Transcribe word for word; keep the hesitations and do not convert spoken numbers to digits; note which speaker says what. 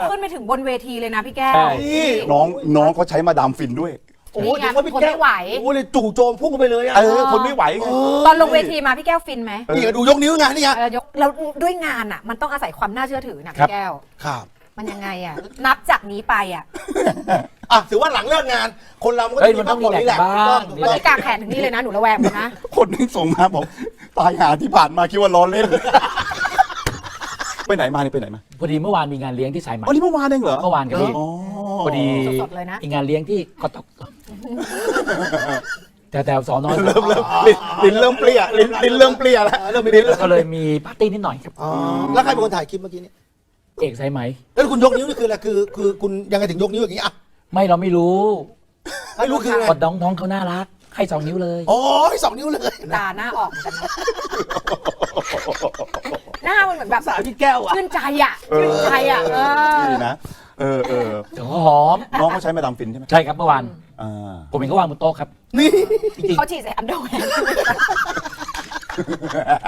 Speaker 1: ขึ้นไปถึงบนเวทีเลยนะพี่แก้ว
Speaker 2: ใช่
Speaker 1: นี่
Speaker 3: น้องน้องเขาใช้มาดามฟินด้วย
Speaker 4: โอ้โห
Speaker 1: นี่ไง
Speaker 4: ถึงว่าพี่
Speaker 1: คน
Speaker 4: แก้
Speaker 1: ไม่
Speaker 4: ว
Speaker 1: ไหว
Speaker 4: โอ้โหเลยจู่โจมพุ่งเข้าไปเลยอ่ะ
Speaker 3: เออคนไม่ไหวไง
Speaker 1: ตอนลงเวทีมาพี่แก้วฟินไหม
Speaker 4: นี่ก็ดูยกนิ้วไงนี่ไง
Speaker 1: เออยกแล้วด้วยงานอ่ะ มันต้องอาศัยความน่าเชื่อถือนะ
Speaker 2: ครั
Speaker 1: พี่
Speaker 2: บ
Speaker 1: แก้ว
Speaker 4: ครับ
Speaker 1: มันยังไงอ่ะ นับจากนี้ไปอ่ะ
Speaker 4: อ่ะถือว่าหลังเลิกงาน คนเรามันก็
Speaker 2: เฮ้ย
Speaker 4: จะ
Speaker 2: มันต้อง
Speaker 4: พักผ่
Speaker 2: รีแลกซ์บ้าง
Speaker 4: ถูก
Speaker 1: วัน
Speaker 4: ต้อง
Speaker 1: นี้กางแขนถึงนี่เลยนะหนูระแวงหมดนะ
Speaker 3: คนนึงส่งมาบอกตายหาที่ผ่านมาคิดว่าล้อเล่น ไปไหนมานี่ไปไหนมา
Speaker 2: พอดีเมื่อวานมีงานเลี้ยงที่สายไหม
Speaker 3: อ๋อนี่เมื่อวานเองเหรอ
Speaker 2: เมื่อวานครับพี่
Speaker 3: อ๋อ
Speaker 2: พอดี
Speaker 1: สดๆเลยนะ
Speaker 2: อีกงานเลี้ยงที่กตกแต่แต่สอนอ
Speaker 3: เริ่มเริ่มลิ้นลิ้นเริ่มเปรี้ยลิ้นลิ้นเริ่มเปรี้ยแล้ว
Speaker 4: เออเริ่มมีลิ้นแล้ว
Speaker 2: ก็เลยมีปาร์ตี้นิดหน่อยครับ
Speaker 4: อ๋อแล้วใครเป็นคนถ่ายคลิปเมื่อกี้เนี่ย
Speaker 2: เอกสายไหม
Speaker 4: แล้วคุณยกนิ้วนี่คืออะไรคือคือคุณยังไงถึงยกนิ้วอย่างนี้อ่ะ
Speaker 2: ไม่เราไม่รู้
Speaker 4: ไม่รู้คืออะไร
Speaker 2: กดน้องน้องเขาน่ารัก ให้สองนิ้วเลย
Speaker 4: โอ้ยสองนิ้วเลย
Speaker 1: ตาหน้าออกเหมือนกันนะหน้ามันเหมือนแบบ
Speaker 4: สาวพี่แก้วอ่ะ
Speaker 1: ชื่นใจอ่ะชื่นใจอ่ะเออ
Speaker 3: ดีนะเออเออ
Speaker 2: เดี๋ยวหอม
Speaker 3: น้องเขาใช้มาดามฟินใช่ไหม
Speaker 2: ใช่ครับเมื่อวาน
Speaker 3: อ่า
Speaker 2: ผมเห็นเขาวางบนโต๊ะครับ
Speaker 4: นี่
Speaker 2: จริง
Speaker 1: เขาฉีดใส่อันเดอร์แวร์